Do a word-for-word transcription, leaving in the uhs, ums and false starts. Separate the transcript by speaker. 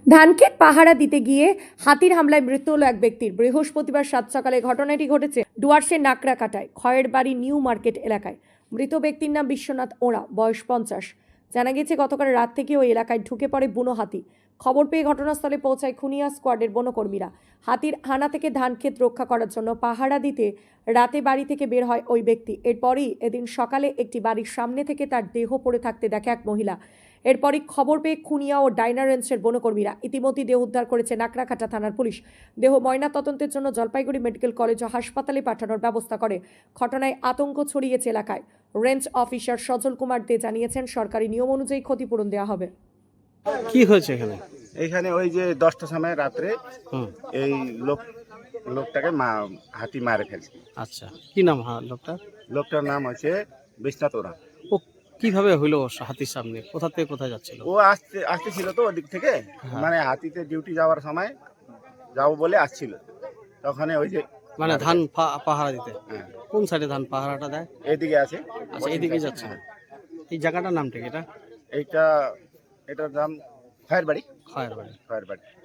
Speaker 1: ধানক্ষেত পাহারা দিতে গিয়ে হাতির হামলায় মৃত্যু হলো এক ব্যক্তির। বৃহস্পতিবার সাত সকালে ঘটনাটি ঘটেছে ডুয়ার্সের নাকড়াকাটায় খয়ের বাড়ি নিউ মার্কেট এলাকায়। মৃত ব্যক্তির নাম বিশ্বনাথ ওঁরা, বয়স পঞ্চাশ। জানা গেছে গতকাল রাত থেকে ওই এলাকায় ঢুকে পড়ে বুনো হাতি। খবর পেয়ে ঘটনাস্থলে পৌঁছায় খুনিয়া স্কোয়াডের বনকর্মীরা। হাতির হানা থেকে ধানক্ষেত রক্ষা করার জন্য পাহারা দিতে রাতে বাড়ি থেকে বের হয় ওই ব্যক্তি। এরপরই এদিন সকালে একটি বাড়ির সামনে থেকে তার দেহ পড়ে থাকতে দেখে এক মহিলা। এরপরই খবর পেয়ে খুনিয়া ও ডাইনা রেঞ্জের বনকর্মীরা ইতিমধ্যেই দেহ উদ্ধার করেছে নাকড়াকাটা থানার পুলিশ। দেহ ময়নাতদন্তের জন্য জলপাইগুড়ি মেডিকেল কলেজ ও হাসপাতালে পাঠানোর ব্যবস্থা করে। ঘটনায় আতঙ্ক ছড়িয়েছে এলাকায়। রেঞ্জ অফিসার সজল কুমার দে জানিয়েছেন, সরকারি নিয়ম অনুযায়ী ক্ষতিপূরণ দেওয়া হবে।
Speaker 2: কি হয়েছে এখানে?
Speaker 3: এইখানে ওই যে দশটার সময় রাত্রে
Speaker 2: হুম,
Speaker 3: এই লোক লোকটাকে মা হাতি মারে ফেলছে।
Speaker 2: আচ্ছা, কি নাম হ্যাঁ লোকটা?
Speaker 3: লোকটার নাম হচ্ছে বিশ্বনাথ ওরা।
Speaker 2: ও কিভাবে হইলো হাতির সামনে? কোথা থেকে কোথায় যাচ্ছিল?
Speaker 3: ও আসতে আসতেছিল তো ওদিক থেকে,
Speaker 2: হ্যাঁ।
Speaker 3: মানে হাতিতে ডিউটি যাওয়ার সময় যাবো বলে আসছিল। তখন ওই যে
Speaker 2: মানে ধান পা- পাহারা দিতে?
Speaker 3: হ্যাঁ,
Speaker 2: কোন সাইডে ধান পাহারাটা দেয়?
Speaker 3: এদিকে আছে।
Speaker 2: আচ্ছা, এদিকে যাচ্ছে।
Speaker 3: হ্যাঁ।
Speaker 2: এই জায়গাটার নামটা কি এটা?
Speaker 3: এইটা এটার নাম খয়ের বাড়ি।
Speaker 2: খয়ের বাড়ি।
Speaker 3: খয়ের বাড়ি।